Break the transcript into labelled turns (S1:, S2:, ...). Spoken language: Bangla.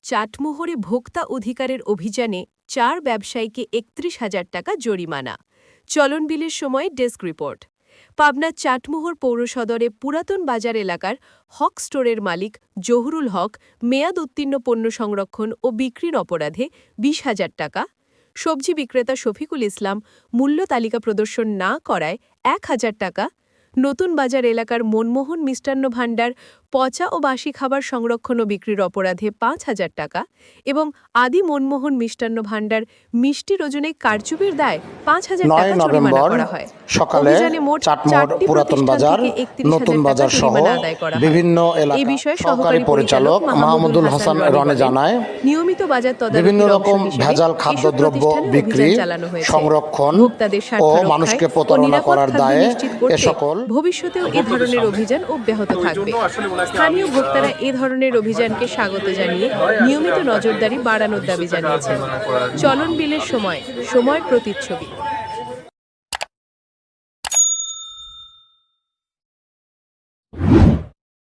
S1: চাটমোহরে ভোক্তা অধিকারের অভিযানে ৪ ব্যবসায়ীকে ৩১,০০০ টাকা জরিমানা। চলন বিলের সময় ডেস্ক রিপোর্ট। পাবনার চাটমোহর পৌরসদরে পুরাতন বাজার এলাকার হক স্টোরের মালিক জহুরুল হক মেয়াদ উত্তীর্ণ পণ্য সংরক্ষণ ও বিক্রির অপরাধে ২০,০০০ টাকা, সবজি বিক্রেতা শফিকুল ইসলাম মূল্য তালিকা প্রদর্শন না করায় ১,০০০ টাকা, নতুন বাজার এলাকার মনমোহন মিষ্টান্ন ভাণ্ডার পচা ও বাসি খাবার সংরক্ষণ ও বিক্রির অপরাধে ৫,০০০ টাকা এবং আদি মনমোহন মিষ্টান্ন ভাণ্ডার মিষ্টির ওজনে কারচুপির দায় ৫,০০০ টাকা জরিমানা করা হয়।
S2: সকালে চাটমোহর পুরাতন বাজার, নতুন বাজার সহ বিভিন্ন এলাকায় সহকারী পরিচালক মাহমুদুল হাসান রনে জানায়,
S1: নিয়মিত বাজার তদারকি
S2: বিভিন্ন রকম ভেজাল খাদ্যদ্রব্য বিক্রি, সংরক্ষণ ও মানুষকে প্রতারণা করার দায়ে এ সকল
S1: ভবিষ্যতেও এ ধরনের অভিযান অব্যাহত থাকবে। স্থানীয় ভোক্তারা এ ধরনের অভিযানকে স্বাগত জানিয়ে নিয়মিত নজরদারি বাড়ানোর দাবি জানিয়েছেন। চলন বিলের সময় প্রতিচ্ছবি।